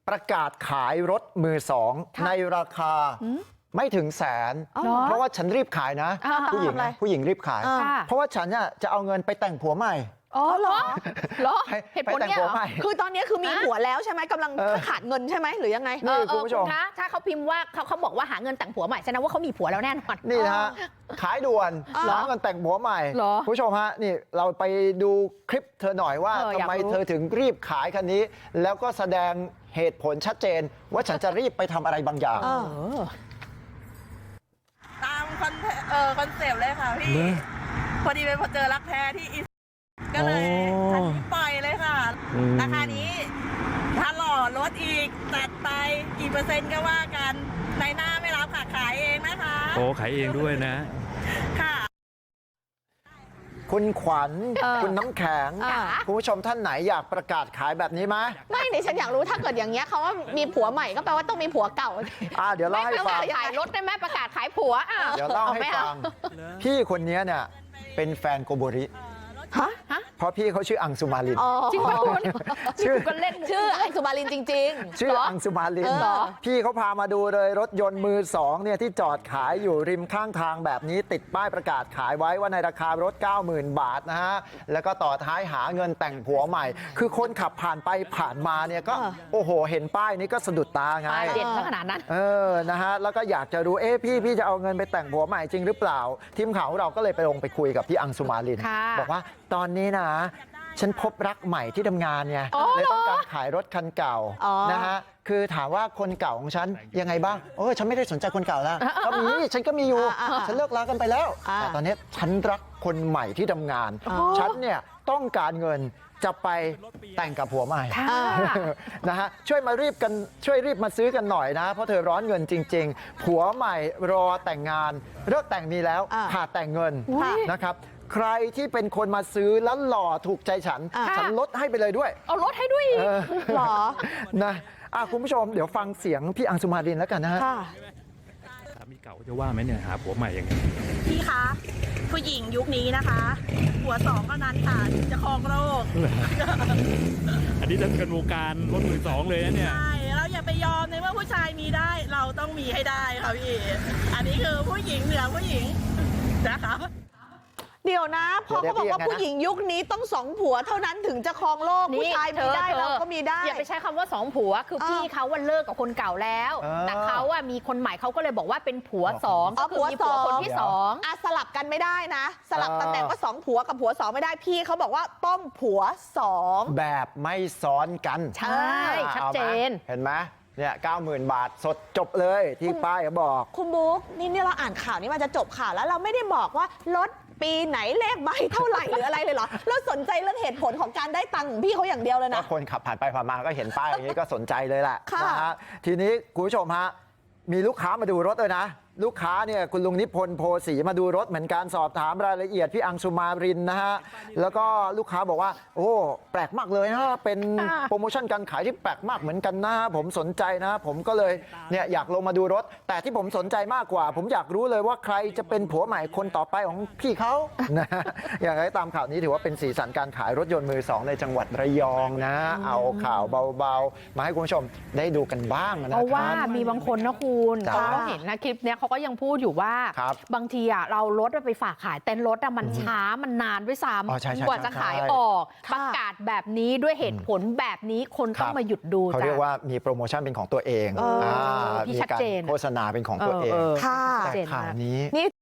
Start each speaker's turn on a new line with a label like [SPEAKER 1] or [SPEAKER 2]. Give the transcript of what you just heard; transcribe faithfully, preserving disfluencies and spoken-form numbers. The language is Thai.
[SPEAKER 1] ประกาศขายรถมือสองในราคาไม่ถึงแสนเพราะว่าฉันรีบขายนะผู้หญิงผู้หญิงรีบขายเพราะว่าฉันเนี่ยจะเอาเงินไปแต่งผัวใหม่
[SPEAKER 2] อ๋อเหรอเหรอเหตุผลเนี่ย
[SPEAKER 3] คือตอนนี้คือมีผัวแล้วใช่ไหมกำลังขาดเงินใช่ไหมหรือยังไง
[SPEAKER 1] นี่คุณผู้ชม
[SPEAKER 2] คะถ้าเขาพิมพ์ว่าเขาเขาบอกว่าหาเงินแต่งผัวใหม่แสดงว่าเขามีผัวแล้วแน่นอน
[SPEAKER 1] นี่นะฮะขายด่วนหาเงินแต่งผัวใหม่ผู้ชมฮะนี่เราไปดูคลิปเธอหน่อยว่าทำไมเธอถึงรีบขายคันนี้แล้วก็แสดงเหตุผลชัดเจนว่าฉันจะรีบไปทำอะไรบางอย่าง
[SPEAKER 4] ตามคอนเออคอนเซปต์เลยค่ะพี่พอดีเป็นพอเจอรักแท้ที่อีก็เลยคันนี้ปล่อยเลยค่ะราคานี้ถ้าหล่อลดอีกจัดไปกี่เปอร์เซ็นต์ก็ว่ากันในหน้าไม่รับค่ะขายเองนะคะ
[SPEAKER 5] โอ้ขายเองด้วยนะ
[SPEAKER 4] ค่ะ
[SPEAKER 1] คุณขวัญคุณน้ำแข็งคุณผู้ชมท่านไหนอยากประกาศขายแบบนี้ไหม
[SPEAKER 3] ไม่นี่ฉันอยากรู้ถ้าเกิดอย่างเงี้ยเขาว่ามีผัวใหม่ก็แปลว่าต้องมีผัวเก่า
[SPEAKER 1] อ่าเดี๋ยวเล่าให้ฟัง
[SPEAKER 2] ขายรถได้ไหมประกาศขายผัวอ่ะ
[SPEAKER 1] เดี๋ยวเล่าให้ฟังพี่คนนี้เนี่ยเป็นแฟนโกโบริ
[SPEAKER 3] ฮะ
[SPEAKER 1] เพราะพี่เขาชื่ออังสุมาลิน
[SPEAKER 2] จริงป่ะคุณชื่อกันเล่น
[SPEAKER 3] ชื่ออังสุมาลินจริง
[SPEAKER 1] ๆชื่ออังสุมาลินพี่เขาพามาดูเลยรถยนต์มือสองเนี่ยที่จอดขายอยู่ริมข้างทางแบบนี้ติดป้ายประกาศขายไว้ว่าในราคารถ เก้าหมื่น บาทนะฮะแล้วก็ต่อท้ายหาเงินแต่งผัวใหม่คือคนขับผ่านไปผ่านมาเนี่ยก็โอ้โหเห็นป้ายนี้ก็สะดุดตาไง
[SPEAKER 2] เด่นขนาดนั้น
[SPEAKER 1] เออนะฮะแล้วก็อยากจะรู้เอ๊ะพี่พี่จะเอาเงินไปแต่งผัวใหม่จริงหรือเปล่าทีมข่าวของเราก็เลยไปลงไปคุยกับพี่อังสุมาลินบอกว่าตอนนี้นะฉันพบรักใหม่ที่ทำงานเนี่ยเลยต้องการขายรถคันเก่านะฮะคือถามว่าคนเก่าของฉันยังไงบ้างโอ้ฉันไม่ได้สนใจคนเก่าแล้วก็มีฉันก็มีอยู่ฉันเลิกลากันไปแล้วแต่ตอนนี้ฉันรักคนใหม่ที่ทำงานฉันเนี่ยต้องการเงินจะไปแต่งกับผัวใหม่นะฮะช่วยมารีบกันช่วยรีบมาซื้อกันหน่อยนะเพราะเธอร้อนเงินจริงๆผัวใหม่รอแต่งงานเลิกแต่งมีแล้วขาดแต่งเงินนะครับใครที่เป็นคนมาซื้อแล้วหล่อถูกใจฉันฉันลดให้ไปเลยด้วย
[SPEAKER 2] เอาลดให้ด้วย
[SPEAKER 3] หรอ
[SPEAKER 1] นะคุณผู้ชมเดี๋ยวฟังเสียงพี่อังสุมารินแล้วกันนะฮะ
[SPEAKER 5] สามีเก่าจะว่าไหมเนี่ยหาผัวใหม่ยังไง
[SPEAKER 4] พี่คะผู้หญิงยุคนี้นะคะผัวสองเท่านั้นค่ะจะครองโลก
[SPEAKER 5] อันนี้จะเป็นวงการรถมือสองเลยนะเนี่ย
[SPEAKER 4] ใช่เราอย่าไปยอมในเมื่อผู้ชายมีได้เราต้องมีให้ได้ค่ะพี่อันนี้คือผู้หญิงเหนือผู้หญิงนะคะ
[SPEAKER 3] เดี๋ยวนะพอเขาบอกว่าผู้หญิงยุคนี้ต้องสองผัวเท่านั้นถึงจะครองโลกผู้ชายมีได้เราก็มีได้
[SPEAKER 2] อย่าไปใช้คำว่าสองผัวคือพี่เขาว่าเลิกกับคนเก่าแล้วแต่เขาว่ามีคนใหม่เขาก็เลยบอกว่าเป็นผัวสองก็คือมีผัวคนที่สอง
[SPEAKER 3] อ่ะสลับกันไม่ได้นะสลับตำแหน่งว่าสองผัวกับผัวสองไม่ได้พี่เขาบอกว่าต้องผัวสอง
[SPEAKER 1] แบบไม่ซ้อนกัน
[SPEAKER 2] ใช่ชัดเจน
[SPEAKER 1] เห็นไหมเนี่ยเก้าหมื่นบาทสดจบเลยที่ป้ายเขาบอก
[SPEAKER 3] คุณบุ๊กนี่เนี่ยเราอ่านข่าวนี้มันจะจบข่าวแล้วเราไม่ได้บอกว่ารถปีไหนเลขใบเท่าไหร่หรืออะไรเลยเหรอเราสนใจเรื่องเหตุผลของการได้ตังค์ของพี่เขาอย่างเดียวเลยนะ
[SPEAKER 1] ก็คนขับผ่านไปผ่านมาก็เห็นป้ายอย่างนี้ก็สนใจเลยแหละนะฮะทีนี้คุณผู้ชมฮะมีลูกค้ามาดูรถเลยนะลูกค้าเนี่ยคุณลุงนิพนธ์โพสีมาดูรถเหมือนกันสอบถามรายละเอียดพี่อังสุมารินนะฮะแล้วก็ลูกค้าบอกว่าโอ้แปลกมากเลยนะเป็นโปรโมชั่นการขายที่แปลกมากเหมือนกันนะผมสนใจนะผมก็เลยเนี่ยอยากลงมาดูรถแต่ที่ผมสนใจมากกว่าผมอยากรู้เลยว่าใครจะเป็นผัวใหม่คนต่อไปของพี่เขานะอย่างไรตามข่าวนี้ถือว่าเป็นสีสันการขายรถยนต์มือสองในจังหวัดระยองนะเอาข่าวเบาๆมาให้คุณผู้ชมได้ดูกันบ้างนะครับ
[SPEAKER 2] เพราะว่ามีบางคนนะคุณเขาเห็นนะคลิปเนี้ยเขาก็ยังพูดอยู่ว่าบางทีอ่ะเรารถไปฝากขายเต็นท์รถอ่ะมันช้ามันนานด้วยซ้ำกว่าจะขายออกประกาศแบบนี้ด้วยเหตุผลแบบนี้คนต้องมาหยุดดู
[SPEAKER 1] เขาเรียกว่ามีโปรโมชั่นเป็นของตัวเองมีการโฆษณาเป็นของตัวเองแต่ข่าวนี้